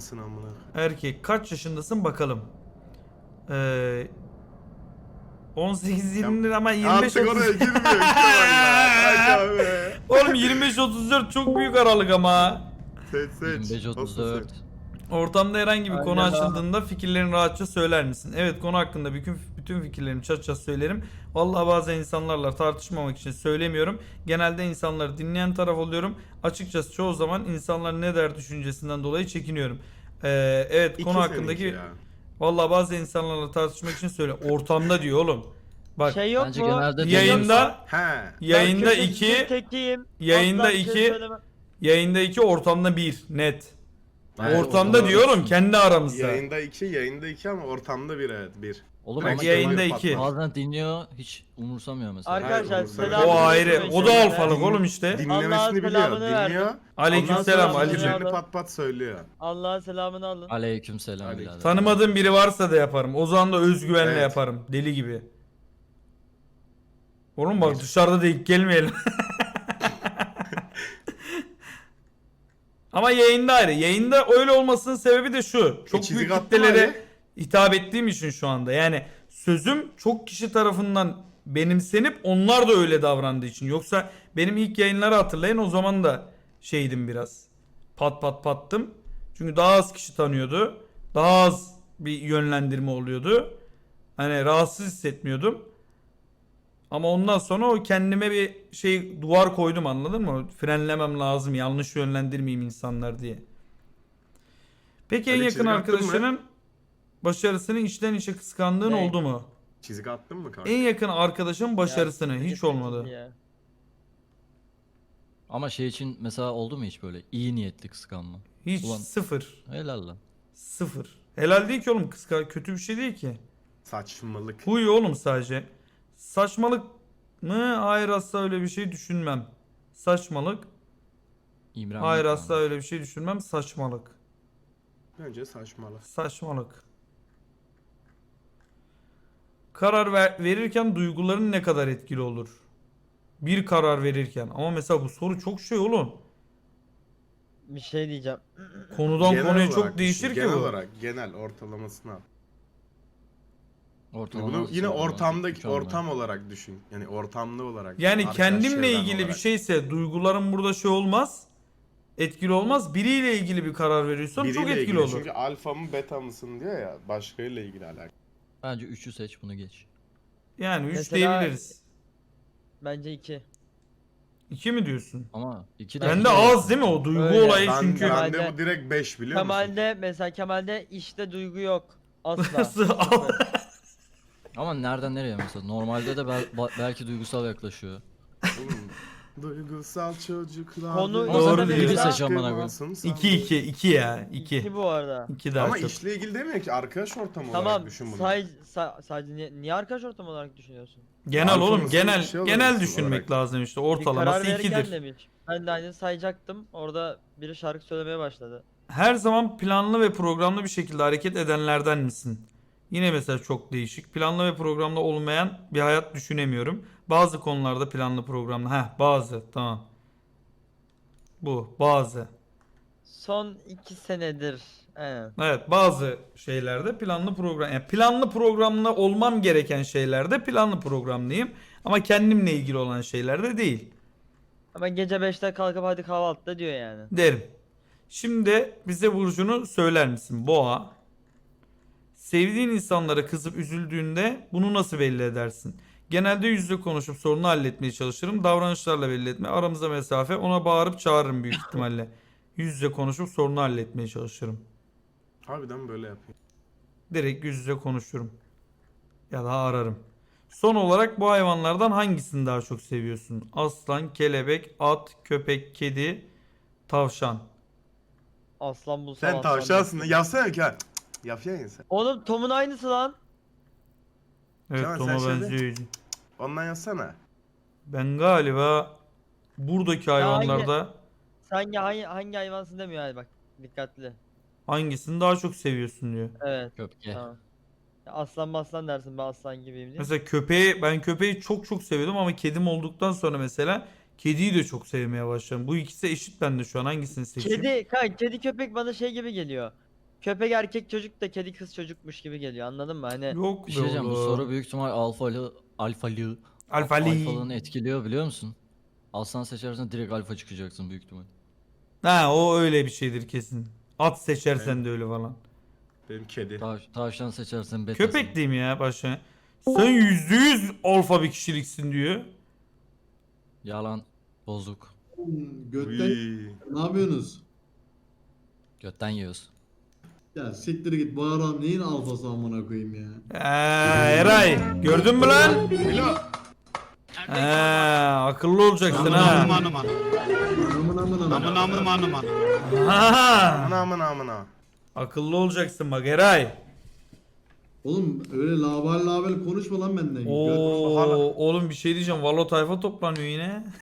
mısın amına? Erkek. Kaç yaşındasın bakalım. 18-20 ama 25-30. Artık oraya girmiyor Kemal ya. Oğlum 25-34 çok büyük aralık ama. Seç. 25-34. Ortamda herhangi bir konu Aynen abi. açıldığında fikirlerini rahatça söyler misin? Evet, konu hakkında bütün fikirlerimi çat söylerim. Vallahi bazen insanlarla tartışmamak için söylemiyorum. Genelde insanları dinleyen taraf oluyorum. Açıkçası çoğu zaman insanlar ne der düşüncesinden dolayı çekiniyorum. Evet, konu hakkındaki... Vallahi bazı insanlarla tartışmak için söyle. Ortamda diyor oğlum. Bak, Şey yok Bence mu? genelde yayında yayında Ben 2, tekiyim. yayında Asla bir şey 2, söylemem. yayında 2, ortamda 1 net. Bence Ortamda diyor oğlum, kendi aramızda. Yayında 2 ama ortamda 1 evet 1. Oğlum Bak, ama yayında Kemal 2. bazen dinliyor, hiç umursamıyor mesela. Arkadaşlar Hayır, selam. O ayrı. O da alfalık oğlum işte. Allah'ın Dinlemesini biliyor. selamını Dinliyor. verdim. Aleykümselam Allah'ın Ali'cim. selamını Fikirlerini pat söylüyor. Allah'ın selamını alın. Aleykümselam Aleyküm. birader. Tanımadığım biri varsa da yaparım. O zaman da özgüvenle Evet. yaparım. Deli gibi. Oğlum bak, dışarıda da ilk gelmeyelim. Ama yayında ayrı. Yayında öyle olmasının sebebi de şu. Çok çizik büyük attın kitlelere Ali. hitap ettiğim için şu anda. Yani sözüm çok kişi tarafından benimsenip onlar da öyle davrandığı için. Yoksa benim ilk yayınları hatırlayın, o zaman da şeydim biraz. Pattım. Çünkü daha az kişi tanıyordu. Daha az bir yönlendirme oluyordu. Hani rahatsız hissetmiyordum. Ama ondan sonra o kendime bir şey duvar koydum, anladın mı? Frenlemem lazım, yanlış yönlendirmeyeyim insanlar diye. Peki en Öyle yakın çizgi attın mı? arkadaşının başarısını içten içe kıskandığın Ne? oldu mu? Çizik attın mı kanka? En yakın arkadaşın başarısını Ya, hiç siktir olmadı. git ya. Ama şey için mesela oldu mu hiç böyle iyi niyetli kıskanma? Hiç, Ulan. sıfır. Helal lan. Sıfır. Helal değil ki oğlum, kötü bir şey değil ki. Saçmalık. Huy oğlum sadece. Saçmalık mı? Hayır, asla öyle bir şey düşünmem. Saçmalık. İmren Hayır, yok asla abi. öyle bir şey düşünmem. Saçmalık. Bence saçmalık. Saçmalık. Karar verirken duyguların ne kadar etkili olur? Bir karar verirken. Ama mesela bu soru çok şey oğlum. Bir şey diyeceğim. Konudan Genel konuya olarak çok değişir ki genel bu. olarak genel ortalamasını al. Ortalama Bunu yine sorun var. ortamdaki Hiç olmuyor. ortam olarak düşün. Yani ortamlı olarak. Yani arkadaş kendimle çevren ilgili bir olarak. şeyse duygularım burada şey olmaz. Etkili olmaz. Biriyle ilgili bir karar veriyorsan çok Biriyle etkili ilgili. olur. Çünkü alfa mı beta mısın diyor ya. Başkayla ilgili alakalı. Bence 3'ü seç, bunu geç. Yani 3 Mesela- diyebiliriz. Bence 2. 2 mi diyorsun? Ama 2 de Bende az değil mi o duygu Öyle. olayı Ben, çünkü. ben de Kemal'de- bu direkt 5 biliyor musun? Kemal'de işte duygu yok. Asla. Nasıl? Sıfır. Ama nereden nereye mesela? Normalde de belki duygusal yaklaşıyor. Duygusal çocuklar. Konu- Ama Doğru sen de diyor. biri seç amına koyayım. 2 ya. 2. 2 bu arada. 2 daha Ama çok. işle ilgili demiyor ki arkadaş ortamı olarak Tamam. düşün bunu. Sadece niye arkadaş ortamı olarak düşünüyorsun? Genel Alfa oğlum, mısın, genel bir şey genel olarak düşünmek olarak. lazım işte. Bir karar Ortalaması verirken 2'dir. demiş. Ben de aynı sayacaktım. Orada biri şarkı söylemeye başladı. Her zaman planlı ve programlı bir şekilde hareket edenlerden misin? Yine mesela çok değişik. Planlı ve programlı olmayan bir hayat düşünemiyorum. Bazı konularda planlı programlı. Bazı, tamam. Bu bazı. Son 2 senedir. Evet. Evet, bazı şeylerde planlı program, yani planlı programlı olmam gereken şeylerde planlı programlıyım ama kendimle ilgili olan şeylerde değil Ama gece 5'te kalkıp hadi kahvaltıda diyor yani. derim. Şimdi bize burcunu söyler misin? Boğa. Sevdiğin insanlara kızıp üzüldüğünde bunu nasıl belli edersin? Genelde yüzle konuşup sorunu halletmeye çalışırım. Davranışlarla belli etme. Aramızda mesafe. Ona bağırıp çağırırım büyük ihtimalle. Yüzle konuşup sorunu halletmeye çalışırım. Harbiden böyle yapıyor. Direkt yüz yüze konuşurum. Ya da ararım. Son olarak bu hayvanlardan hangisini daha çok seviyorsun? Aslan, kelebek, at, köpek, kedi, tavşan. Aslan bulsam Sen aslan tavşansın. bulsam. Yapsana ki. Yapıyorsun sen. Oğlum Tom'un aynısı lan. Evet, Kemal, Tom'a sen benziyor. Ondan yazsana. Ben galiba buradaki hayvanlarda Sen hangi hayvansın demiyor hadi bak. Dikkatli. hangisini daha çok seviyorsun diyor. Evet. Köpke. Tamam. Ya aslan maslan dersin ben aslan gibiyim diye. Mesela ben köpeği çok seviyordum ama kedim olduktan sonra mesela kediyi de çok sevmeye başladım. Bu ikisi eşit bende şu an, hangisini seçeyim? Kedi köpek bana şey gibi geliyor. köpek erkek çocuk da kedi kız çocukmuş gibi geliyor, anladın mı? Hani Yok Bir be şey diyeceğim, bu oğlum. soru büyük ihtimal alfalığını Alfali. etkiliyor biliyor musun? Aslan seçersen direkt alfa çıkacaksın büyük ihtimal. Ha o öyle bir şeydir kesin. At seçersen de öyle falan. Benim kedi. Tavşan seçersen betasın. Köpek diyeyim ya başa. Sen %100 alfa bir kişiliksin diyor. Yalan. Bozuk. Götten Uy. ne yapıyorsunuz? Götten yiyoruz. Ya siktir git bu adam neyin alfası amına koyayım ya. Eray gördün mü lan? Bilo. Akıllı olacaksın ha. Amına amına. Ha. Amına. Akıllı olacaksın bak Eray. Oğlum öyle label label konuşma lan benden. Oo, oğlum bir şey diyeceğim. Valo tayfa toplanıyor yine.